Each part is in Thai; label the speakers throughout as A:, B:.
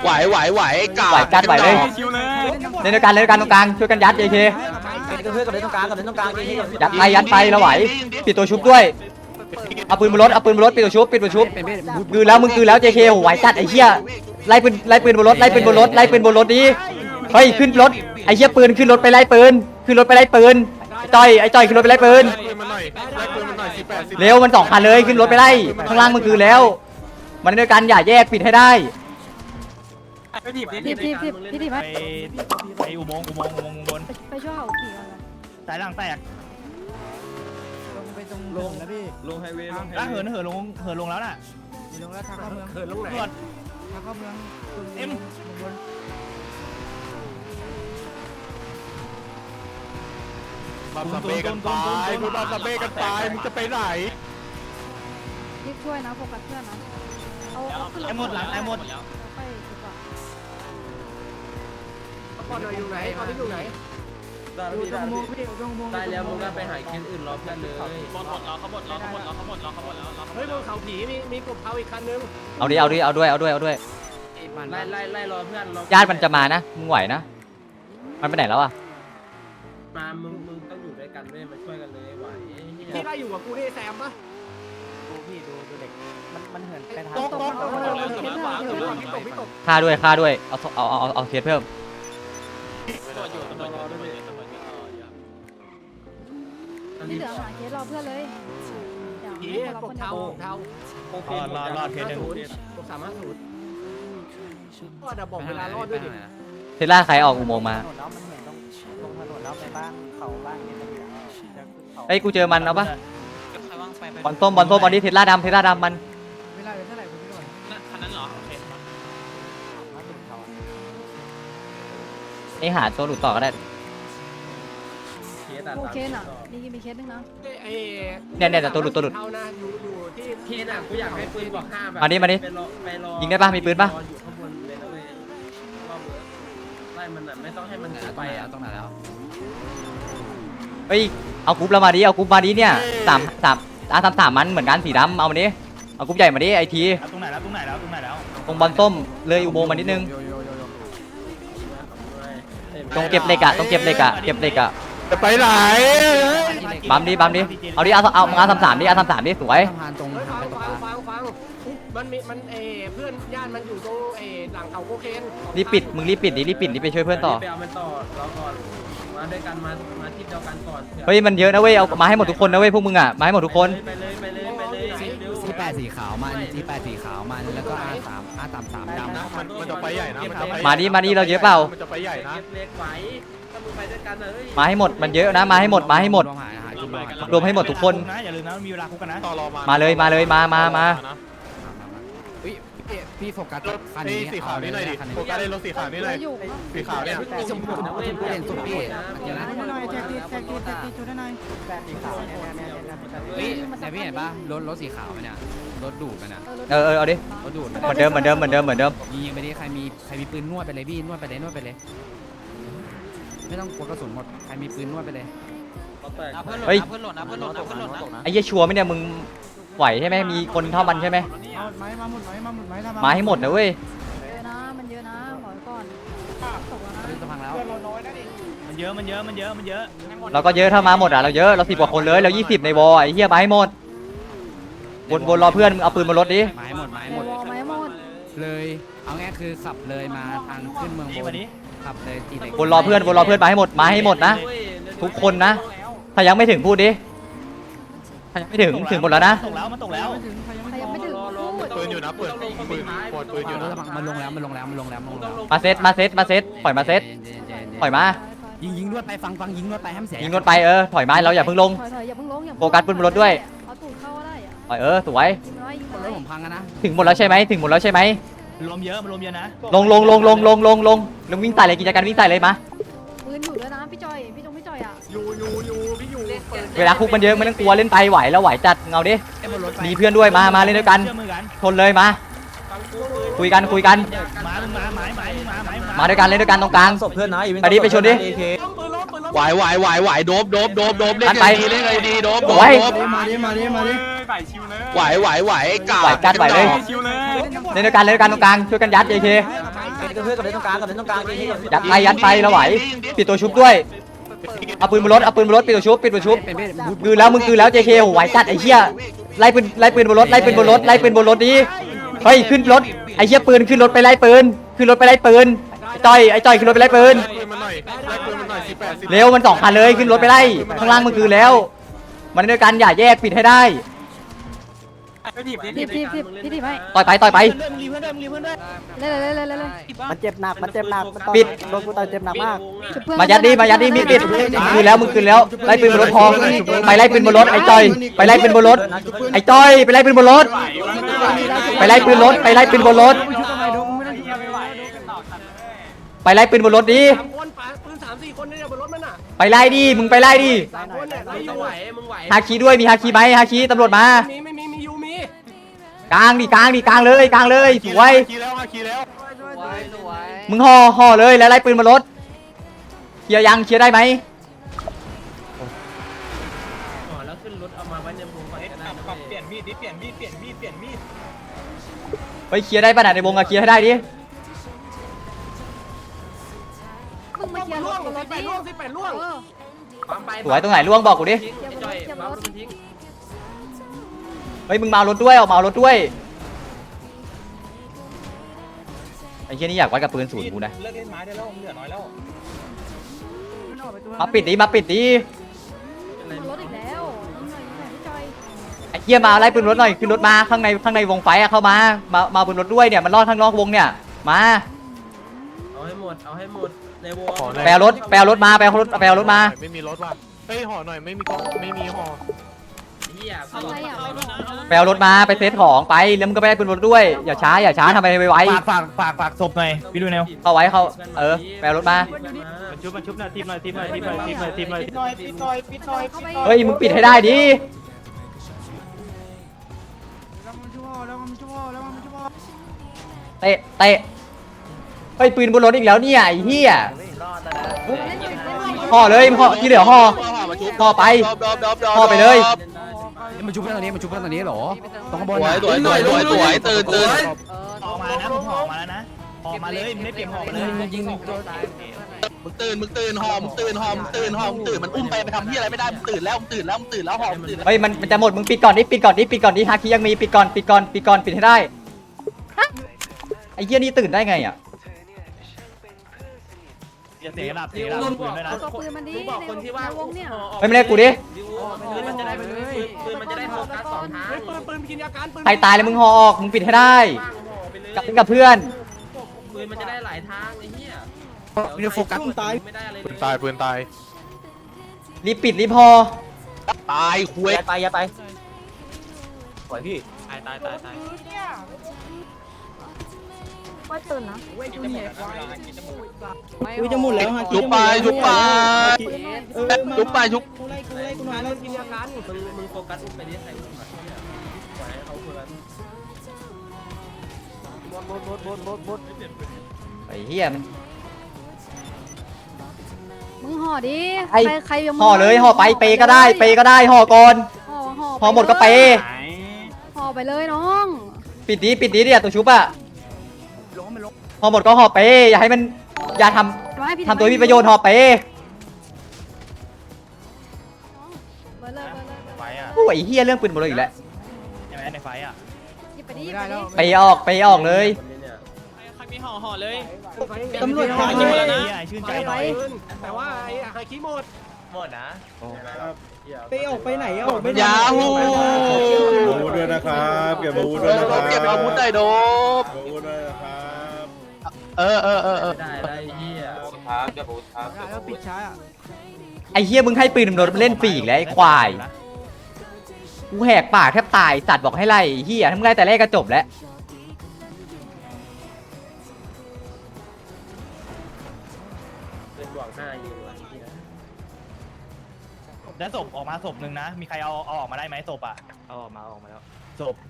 A: ไหวกัดไหวเลยเล่นด้วยกันตรงกลางช่วยกันยัด JK
B: เพื่อนกับเล่นตรงกลาง
A: ยัดไปเราไหวปิดตัวชุบด้วยเอาปืนบนรถปิดตัวชุบกือแล้ว JK ไหวจัดไอ้เหี้ยไล่ปืนบนรถดีเฮ้ยขึ้นรถไอ้เหี้ยปืนขึ้นรถไปไล่ปืนไอ้จ้อยขึ้นรถไปไล่ปืนเร็วมัน2,000เลยขึ้นรถไปไล่ข้างล่างมันคือแล้วมันด้วยกันอย่าแยกปิดให้ได้
C: พี่ไปอุโมงค์บน
D: ไปช่วยเขาขี่ก่อน
C: สายหลังแตก
B: ไปตรงลงนะพี่ลงไฮเวย์
C: แล้วเหินลงแล้วน่ะ
B: ลงแล้วทางเข้าเมืองเหินลงไหนทางเข้าเมือง
C: เอ็ม
A: บัมเบกันไปมึงจะไปไหน
D: รีบช่วยนะโฟกัสเพื่อนนะเอาขึ้น
C: ไอ้หมดหลังไอ้หมด
D: ไปดีกว่า
B: ก่อนหน่อยอยู่ไหนตอนนี้อยู่ไหนได้แล้วมึงก็ไปหาเคสอื่นรอเพื่อนเลยหมดแล้วเขาหมดแล้วเฮ้ยบนเขาผีมีกบเผาอีกคันนึง
A: เอาด้วยไล่รอเพื่อนญาติมันจะมานะมึงไหวนะมันไปไหนแล้วอะ
B: มามึงต้องอยู่ด้วยกันด้วยมาช่วยกันเลยไหวพี่ได้อยู่กับกูนี่แซมปะดูพี่ดูเด็กมันเหินไปทางตก
A: ฆ่าด้วยเอาเคสเพิ่ม
D: ที่เหลือหาเคสรอเพื่อนเลย
B: ปกเทาร
C: อดเคสหนึ่ง
B: ปก350ก็จะบอกเวลารอดด้วยดิ
A: เทสลาใครออกอุโมงค์มาเฮ้ยกูเจอมันเอาปะบอลส้มบอลนี้เทสลาดำมัน
B: เวลาเท่าไหร่คุณพี่ก่อน
C: คันนั้นเหรอโอเค
A: ไอหาตัวหลุดต่อก็ได้
D: โอเคน่ะมีเคสนึงนะ
A: เนี่ยแต่ตัวหลุด
B: เท่านะอยู่ที่เคสอ่ะกูอยากให้ปืนบอก5แบบ
A: มาดิยิงได้ปะมีปืนปะ
B: อยู่ข้างบนเลยนะเว้ยไล่มันอ่ะไม่ต้องให้มันไปอ่ะตรงไหนแล้ว
A: เฮ้ยเอากรุ๊ปเรามาดิเนี่ย3มันเหมือนกันสีดำเอามาดิเอากรุ๊ปใหญ่มาดิไอที
C: ตรงไหนแล้ว
A: ตรงบอลส้มเลยอุโมงค์มานิดนึงตรงเก็บเหล็กอะจะไปไหนบัมดิเอาดิเอางาน33ดิดิสวย
B: ฟังมันเพื่อนญาติมันอยู่ตรงหลังเขาโคเคน
A: รีบปิดดิไปช่วยเพื่อนต่อ
B: ไปเอามันต่อเราก่อนมาด้วยกันมาที่เดียวกันก่อน
A: เฮ้ยมันเยอะนะเว้ยเอามาให้หมดทุกคนนะเว้ยพวกมึงอะมาให้หมดทุกคน
B: ไปเลย
E: C8สีขาวมันแล้วก็R33ดำนะ
A: มันจะไปใหญ่นะมาดิเราเยอะเปล่ามันจะไปใหญ่นะมาให้หมดมันเยอะนะมาให้หมดรวมให้หมดทุกคน
C: อย่าลืมนะมีเวลาคุกกันนะ
A: มาเลยมา
E: พี่โฟกัสคันนี้
A: สีขาวนี่หน่อยดิโฟกัสในรถสีขาวนี่หน่อยสีขาวเนี่ย
E: ชมพูเด่นสุดพี่เดี๋ยวนะ
B: แท็กตีจุดได้หน่อยสีขาว
E: แต่พี่เห็นปะรถสีขาวมันเนี่ยรถดูดมันอ่ะ
A: เอาดิ
E: รถดูด
A: เหมือนเดิม
E: ยิงไปดิใครมีปืนนวดไปเลยพี่นวดไปเลยไม่ต้องกลัวกระสุนหมดใครมีปืนนวดไปเลย
A: เฮ้ยไอ้เหี้ยชัวร์ไหมเนี่ยมึงไหวใช่ไหมมีคนเท่ามันใช่ไหมมาให้หมดนะเว้ย
D: มันเยอะนะขอก่อนตกแล้วนะ
C: มันเยอะ
A: เราก็เยอะถ้ามาหมดอ่ะเราเยอะเรา10 กว่าคนเลยเรา20ในวอไอ้เหี้ยมาให้หมดบนรอเพื่อนมึงเอาปืนบนรถดิ
E: ไม้หมดเลยเอาง่ายคือขับเลยมาทางขึ้นเมืองบนขับเลยตีเหล็ก
A: บนรอเพื่อนมาให้หมดนะทุกคนนะถ้ายังไม่ถึงพูดดิถ้ายังไม่ถึงหมดแล้วนะ
C: มันตกแล้ว
D: ยังไม่ถึง
A: ปืนอยู่นะปืนอยู่นะ
E: มันลงแล้ว
A: มาเซตปล่อยมาเซตปล่อยมา
E: ยิงนวดไปฟังยิงนวดไปห้ามเสีย
A: ยิงนวดไปถอยมาเราอย่าเพิ่งลงโฟกัสปืนบนรถด้วย
D: เอาตูดเข้าได้
A: ปล่อยสวย
E: รถผมพังนะ
A: ถึงหมดแล้วใช่ไหม
C: ลมเยอะนะ
A: ลงวิ่งใส่เลยกิจการวิ่งใส่เลยมา
D: ปืนอยู่ด้วยนะพี่จอยอ่ะ
B: อยู่พี่อยู่
A: เวลาคุกมันเยอะไม่ต้องกลัวเล่นไปไหวแล้วไหวจัดเงาดิมีเพื่อนด้วยมาเล่นด้วยกันทนเลยมาคุยกันมาด้วยกันเล่นด้วยกันตรงกลาง
B: ศพเพื่อนนะ
A: ไปชนดิไหวโดบเล่นไปเล่นไงดีโดบ
B: มาดิ
A: ไหวกัดไหวเลยเล่นด้วยกันตรงกลางช่วยกันยัด JK
B: เพื่อนกับเล่นตรงกลางกับเล่นตรงกลาง
A: ยัดไปเราไหวปิดตัวชุบด้วยเอาปืนบนรถปิดตัวชุบกือแล้วมึงกือแล้ว JK โหไหวจัดไอ้เหี้ยไล่ปืนบนรถนี้เฮ้ยขึ้นรถไอ้เหี้ยปืนขึ้นรถไปไล่ปืนไอ้จ้อยขึ้นรถไปไล่ปืนเร็วมัน2 คันเลยขึ้นรถไปไล่ข้างล่างมึงกือแล้วมันด้วยกันอย่าแยกปิดให้ได้
D: ทีบไม่
A: ต่อยไป
C: มึงรีเพื่อนด้วยมึงรีเพื่อนด้วย
D: เลย
F: มันเจ็บหนักโดนกูต่อยเจ็บหนักมาก
A: มายัดดิมีปิดคืนแล้วมึงคืนแล้วไล่ปืนบนรถพอไปไล่ปืนบนรถไอ้จ้อยไปไล่ปืนบนรถไอ้จ้อยไปไล่ปืนบนรถไปไล่ปืนบนรถไปไล่ปืนบนรถดิ
B: คนปืน3-4 คนเนี่ยบนรถมันอ่ะ
A: ไปไล่ดิมึงไปไล่ดิ
B: คนเนี่ยมึงไหว
A: ฮาคีด้วยมีฮาคีไหมฮาคีตำรวจมา
B: มียูมี
A: กลางเลยสวย
G: ขี่แล้วขี่แล้ว
A: มึงห่อเลยแล้วไล่ปืนบนรถเคลียร์ได้ไหม
B: แล้วขึ้นรถเอามาไว้ในวงไฟก็ได้
C: เปลี่ยนมีดดิเปลี่ยนมีด
A: ไปเคลียร์ได้ป่ะในวงอะเคลียร์ให้ได้ดิ
D: มึงมาเคลียร์รถรถดิ
B: 18ล่วง ปั๊มไป
A: สวยตรงไหนล่วงบอกกูดิ
B: จ่อยปั๊มรถทิ้ง
A: เฮ้ยมึงมาเอารถด้วยออกมาเอารถด้วยไอ้เหี้ยนี่อยากวัดกับปืนศูนย์กูนะ
C: เลิกเล่นไม้ได้แล้วเหลือน้อยแล้ว
A: มาปิดดิ
D: รถอีกแล้วพี่จอย
A: ไอ้เหี้ยมาไล่ปืนรถหน่อยขึ้นรถมาข้างในวงไฟอะเข้ามาปืนรถด้วยเนี่ยมันรอดข้างนอกวงเนี่ยมา
B: เอาให้หมดในวง
A: ไปเอารถมาไปเอารถมา
G: ไม่มีรถว่ะเฮ้ยห่อหน่อยไม่มีกล่องไม่มีห่อ
B: เหี้ย
D: ทำไรอ่ะ
A: ไปเอารถมาไปเซตของไปแล้วมึงก็ไปได้ปืนรถด้วยอย่าช้าทำไปไว
C: ฝากศพหน่อยพี่ดูแนว
A: เข้าไว้ไปเอารถมา
C: มันชุบหน่อยทีมหน่อย
A: เฮ้ยมึงปิดให้ได้ดิเตะเฮ้ยปืนบนรถอีกแล้วเนี่ยไอ้เหี้ยห่อเลยที่เหลือห่อไปเลย
E: มันชุบเพื่อนตรงนี้เหรอตรงข้างบน
G: สวยตื่น
C: ออกมานะมึงห่อมาแล้วนะห่อมาเลยมึงได้เปลี่ยนห่อมาเลย
E: ยิง
G: มึงตื่นห่อมึงตื่นมันอุ้มไปทำที่อะไรไม่ได้มึงตื่นแล้วห่อมึงตื่น
A: เฮ้ยมันจะหมดมึงปิดก่อนดิฮาคิยังมีปิดก่อนปิดให้ได้ไอ้เหี้ยนี่ตื่นได้ไงอ่ะ
C: อย่าเสียระดับปืนด้วยนะ
D: ตัวปืนมันดี
B: บอกคนที่ว่า
D: ในวงเนี่ย
A: ไม่ได้กูดิ
B: ปืนมันจะได้โฟกัส2 ทางปืนกินยาการปืน
A: ใครตายแล้วมึงห่อออกมึงปิดให้ได้
B: ว่างห่อไปเลย
A: กับเพื่อน
B: ปืนมันจะได้หลายทางไอ้เหี้ย
E: มันจะโฟกัส
B: ไม่ได้อะไร
G: ปืนตาย
A: รีบปิดรีบห่อ
G: ตายคุย
B: ตายปล่อยพี่ตาย
D: ว่าตื่นนะ
F: กูจะหมดแล้วฮะ
G: ชุบไป
B: ปืนกินยาการมึงโฟกัสไปที่ใครโฟกัสเนี่ยปล่อยให้เขาโฟกัส
A: ไอ้เหี้ยมัน
D: มึงห่อดิ
A: ไอ้
D: ใครยัง
A: ห่อเลยห่อไปเปก็ได้ห่อก่อน ห่อหมดก็เป
D: ห่อไปเลยน้อง
A: ปิดดิเนี่ยตัวชุบอะห่อหมดก็ห่อเปอย่าให้มันอย่าทำตัวมีประโยชน์ห่อเป
C: ไฟอ่ะ
A: โอ้ยเหี้ยเรื่องปืนหมดเลยอีกแล้ว
C: ใช่ไหมในไฟอ่ะ
D: หยิบไปดิ
A: ไปออกเลย
F: ตำรวจ
C: ไอ้
F: ตาย
C: ชื่นใจหน่อย
B: แต่ว่าไอ้ไฮคิโมด
F: ไปออกไปไหนออกไม่ได้
G: ยาฮู
H: อาวุธด้วยนะครับเก็บอาวุธด้วยนะครับ
G: เก็บอาวุธได้โดบ
H: อาวุธด้วยนะครับ
B: ได้เหี้ย
F: แล้วปิดช้าอ่ะ
A: ไอ้เหี้ยมึงให้ปืนตำรวจมาเล่นฟรีอีกแล้วไอ้ควายกูแหกปากแทบตายสัตว์บอกให้ไล่ไอ้เหี้ยถ้ามึงไล่แต่แรกก็จบแล้ว
B: เป็นหวัง5ยิงว่ะ
C: แล้วศพออกมาศพหนึ่งนะมีใครเอาออกมาได้ไหมศพอ่ะเอาออกมาแล้วศพ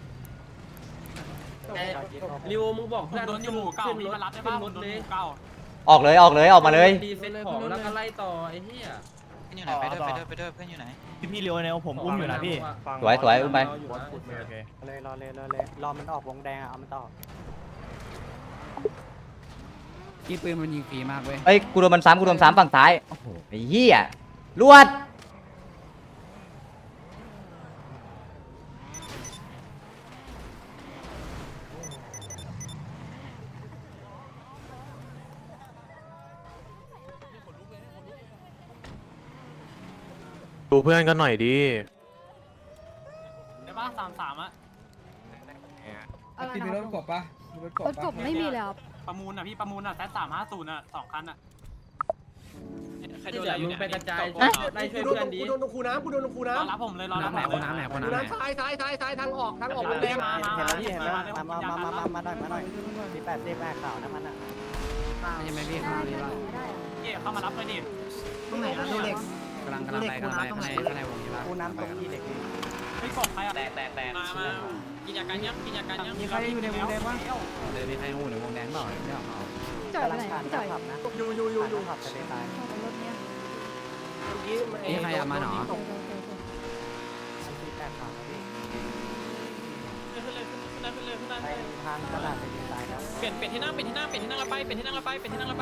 B: ริวมึงบอกเพื่อนขึ้นรถเลย
A: ออกเลยออกมาเลย
B: ดีเซ็ตของแล้วก็ไล่ต่อไอ้เหี้ย
C: อยู่ไหนไปด้วยเพื่อนอยู่ไหนพี่เร็วแนวผมอุ้มอยู่นะพี่
A: สวยอุ้มไป
C: โอเค
F: รอมันออกวงแดงอ่ะเอามันต่อ
E: พี่ปืนมันยิงฟรีมากเว้ย
A: เอ้ยกูโดนมันซ้ำกูโดนซ้ำฝั่งซ้ายโอ้โหไอ้เหี้ยลวด
H: ดูเพื่อนกันหน่อยดี
B: ได้ป่ะ33อ่ะ
D: อะไร
B: ที่มี
D: นะ
B: รถกบป่ะมีรถกบ
D: รถกบไม่มีเลยครับ
B: ประมูลอ่ะพี่ประมูลอ่ะแซด350อ่ะ2คันอ่ะใครโดนอะไรอยู่เนี่ยไปกระจายไล่ช่วยเพื่อนดีกูโดนลงคูน้ำรอรับผมเลยรอรับ
E: น้ำไหนคนน้ำไหนคนน้ำไหน
B: ซ้ายทางออกโรงแรม
F: เห็นแล้วพี่เห็นแล้วมาหน่อยมี8ขาวนะมันอ่ะ
E: ใช่ไหมพี่ข้างนี้ป่ะ
D: ไม่ได้อะ
B: เย่เข้ามารับเลยดิ
F: ตรงไหนนะดูเหล็ก
E: กำลังไปข้างในวงนี้ป่ะ
F: กูน้ำตรงที่เหล็ก
B: ไม่กบใครอ่ะแตกมากินยากันยังมีใครอยู่ในวงแดงวะ
E: เดี๋ยวมีใครหูในวงแดงเปล่าไม่เอา
D: พี่จ่อยไปไหนพี่จ่อย
F: ขับนะอยู่ขับทะเลทราย
D: ขับรถเนี้ย
E: นี่ใครเอามาหนอ
F: ที่8ขาวนะพี่
B: ขึ้นเลย
F: ไปทางตลาดทะเลทรายครับ
B: เปลี่ยนที่นั่งละไป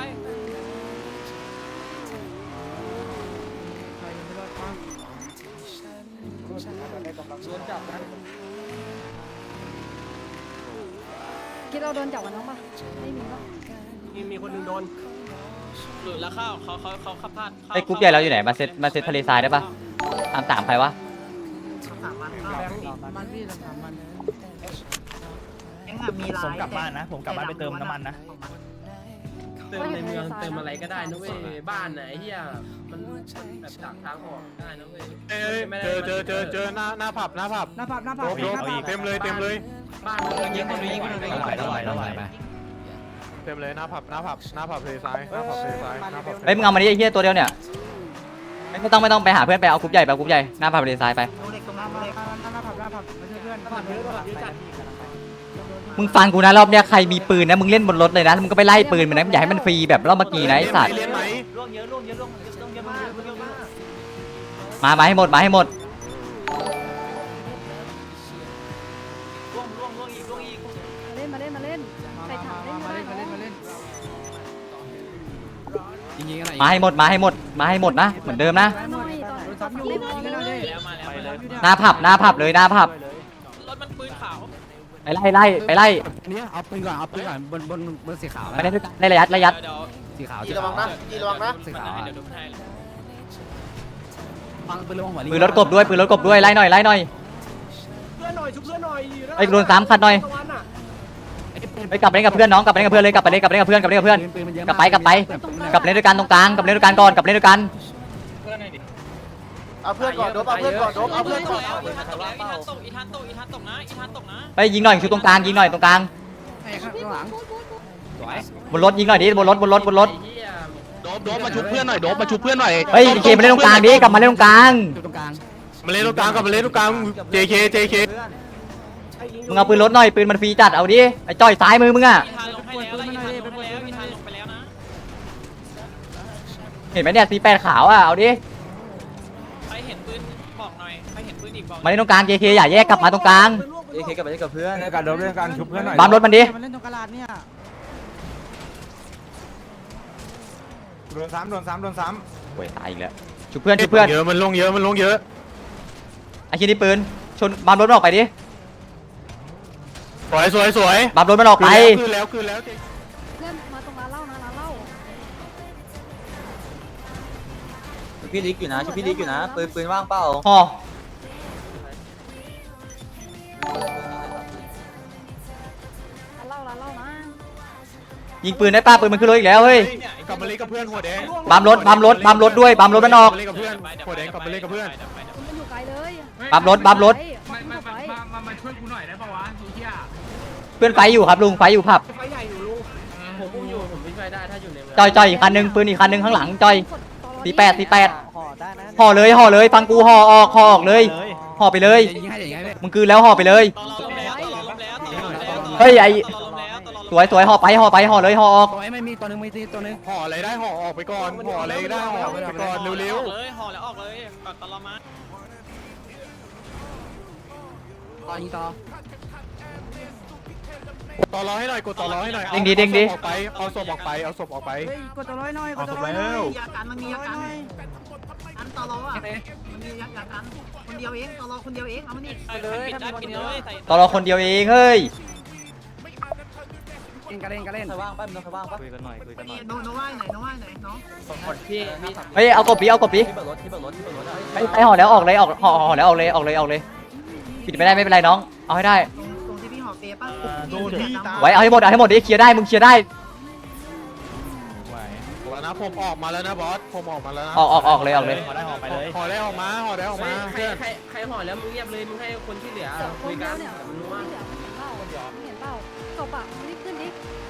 D: คิดเราโดนจับกันน้องปะไม่มีปะ
B: มีคนนึงโดนหลุดแล้วเข้าเขาขับพลาด
A: ไอ้กรุ๊ปใหญ่เราอยู่ไหนมาเซตทะเลทรายได้ปะตามใครวะ
F: มันพี่ทำมัน
C: ผมกลับบ้านนะผมกลับบ้านไปเติมน้ำมันนะ
B: เติมในเมืองเติมอะไรก็ได้นะเว้ยบ้านไหนเฮียมันแบบจากทางออกได้นะเว้ย
H: เจอหน้าผับโดบเต็มเลย
B: บ้านมันยิงคนยิงคน
E: ไปไป
H: เต็มเลยหน้าผับทะเลทรายหน้าผับทะเลทรายหน้าผับ
A: เฮ้ยมึงเอามาดิไอ้เหี้ยตัวเดียวเนี่ยไม่ต้องไปหาเพื่อนไปเอากรุ๊ปใหญ่หน้าพาไปทะเลทรายไป
F: ดูเหล็กตรงนั้นดูเหล็กหน้าผับมาช่วยเพื่อนจัด
A: มึงฟังกูนะรอบเนี้ยใครมีปืนนะมึงเล่นบนรถเลยนะมึงก็ไปไล่ปืนมันนะอย่าให้มันฟรีแบบรอบเมื่อกี้นะไอ้สัตว์
H: เล่นไหม
A: มาให้หมด
D: มาเล่นใครถามเล่น
E: มา
D: ได้
E: เล่น
D: เนาะ
E: ยิงกันหน่อย
A: มาให้หมดนะเหมือนเดิมนะ
D: หน่อยตอนเล่นหน่อย
A: หน้าผับเลยหน้าผับ
B: รถมันปืนขาว
A: ไปไล่
E: เนี่ยเอาปืนก่อนบนสีขาว
A: ไปได้ด้วยกันได้ระยัด
E: สีขาว
F: ระวังนะ
E: สีขาว
B: เดี๋ยวดูให้
E: ฟังปืนลงหัว
A: ปืนรถกบด้วยไล่หน่อย
B: เพื่อนหน่อยชุบเพื่อนหน่อย
A: ไอ้โดน3คันหน่อยไปกลับไปเล่นกับเพื่อนน้องกลับไปเล่นกับเพื่อนเลยกลับไปเล่นกับเพื่อนกลับไปเล่นด้วยกันตรงกลางกลับไปเล่นด้วยกันก่อนกลับไปเล่นด้วยกัน
F: เอาเพื่อนก่อนโดบเอาเพื่อนก่อน
B: อีทันตกนะ
A: ไปยิงหน่อยชุดตรงกลางยิงหน่อยตรงกลาง
E: ข้างหลังสวย
A: บนรถยิงหน่อยดิบนรถ
G: โดบมาชุบเพื่อนหน่อยโดบมาชุบเพื่อนหน่อย
A: เฮ้ยเกมมาเล่นตรงกลางดิกลับมาเล่นตรงกลาง
E: อยู่ตรงกลาง
H: มาเล่นตรงกลางกับมาเล่นตรงกลาง JK
A: มึงเอาปืนรถหน่อยปืนมันฟรีจัดเอาดิไอ้จ้อยซ้ายมือมึงอ่ะ
B: อีทันลงไปแล้วนะ
A: เห็นไหมเนี่ย48ขาวอ่ะเอาดิ
B: ใครเห็นปืนบอกหน่อยใครเห็นปืนอีกบอก
A: มาเล่นตรงกลาง JK อย่าแยกกลับมาตรงกลาง
F: JK กลับไปเล่นกับเพื่อน
H: การโดบเล่นการชุบเพื่อนหน่อย
A: บัมรถมันดิ
F: มันเล่นตรงกลาดเนี่ย
H: โดนซ้ำ
A: โอ้ยตายอีกแล้วชุบเพื่อน
H: เยอะมันลงเยอะ
A: ไอ้ชิ้นนี้ปืนชนบัมรถมันออกไปดิ
H: สวย
A: บัมรถมันออกไป
H: คืนแล้ว
D: เพื่อนมาตรงร้านเหล้านะร้านเหล้า
F: พี่ลิกอยู่นะช่วยพี่ลิกอยู่นะปืนว่างเปล่า
A: ห่อ
D: ร้านเหล้านะ
A: ยิงปืนได้ป้าปืนมันขึ้นรถอีกแล้วเฮ้ย
H: กลับมาเล่นกับเพื่อนหัวแดง
A: บัมรถด้วยบัมรถมันออก
H: เล่นกับเพื่อนหัวแดงกลับมาเล่นกับเพื่อน
D: คุณมันอยู่ไกลเลย
A: บัมรถ
B: มาช่วยกูหน่อยได้ป่าวะไอ้เหี้ย
A: เพื่อนไฟอยู่ครับลุงไฟอยู่ผับ
B: ไฟใหญ่อยู่ลุงผมอุ้มอยู่ผมไม่ช่วยได้ถ้าอยู่ในเมือง
A: จอยอีกคันนึงปืนอีกคันนึงข้างหลังจอย48
F: ห่อได้นะ
A: ห่อเลยฟังกูห่อออกเลยห่อไปเลย
E: ยิงให้อย่างเงี้ย
A: มึงคือแล้วห่อไปเลย
B: ตลอดแล้ว
A: เฮ้ยไอ้
B: ตลอดแล้ว
A: สวยห่อไปห่อเลยห่อออก
E: ตัวไอ้ไม่มีตัวนึงตัวนึง
H: ห่ออะไรได้ห่อออกไปก่อนห่ออะไรได้ห่อออกไปก่อนเร็ว
B: เลยห่อแล้วออกเลยก่อนตลอดมา
E: ต่อยิงต่อ
H: ต่อรอให้หน่อยกดต่อรอให้หน่อย
A: เด้งดิ
H: เอาศพออกไปเอาศพออกไป
E: กดตัวร้อยหน่อย
H: เอาศพแล้ว
B: ยากันมันมียากันอันต่อรออ่ะมันมียากันคนเดียวเองต่อรอคนเดียวเองเอามานี่
F: เลยถ้ามีคนเดียว
A: ตอนเราคนเดียวเองเฮ้ย
E: เล่นก็เล่นก็เล่น
F: ใครว่างป่ะมึงใครว่างป่ะ
C: คุยกันหน่อยคุยกันหน่อย
B: โนว่าไหนน้อง
F: พี่
A: เฮ้ยเอากบปีเอากบปี
F: ที่เปิดรถที่เปิดรถที่เปิดรถ
A: ไอ้ห่อแล้วออกเลยห่อแล้วออกเลยปิดไม่ได้ไม่เป็นไรน้องเอาให้ได้
B: ตรงที่พี่หอเปป่ะ
H: โดนพี่ตา
A: ไว้เอาให้หมดดิเคลียร์ได้มึงเคลียร์ได้
H: ไหวแล้วนะผมออกมาแล้วนะบอสผมออกมาแล้วนะ
A: ออกเลย
C: ขอได้ออกไปเลย
H: ห่อได้ออกมาห่อได้ออกมาเพื่อน
B: ใครห่อแล้วมึงเงียบเลยมึงให้คนที่เหลือ
D: เสือค
B: คุย
D: นเดี
B: กั
D: ยวน เนี่ย
B: มันรู้
D: ที่
B: ว่า
D: เหลือเห็นเปล่าศพอ่ะรีบขึ้นดิ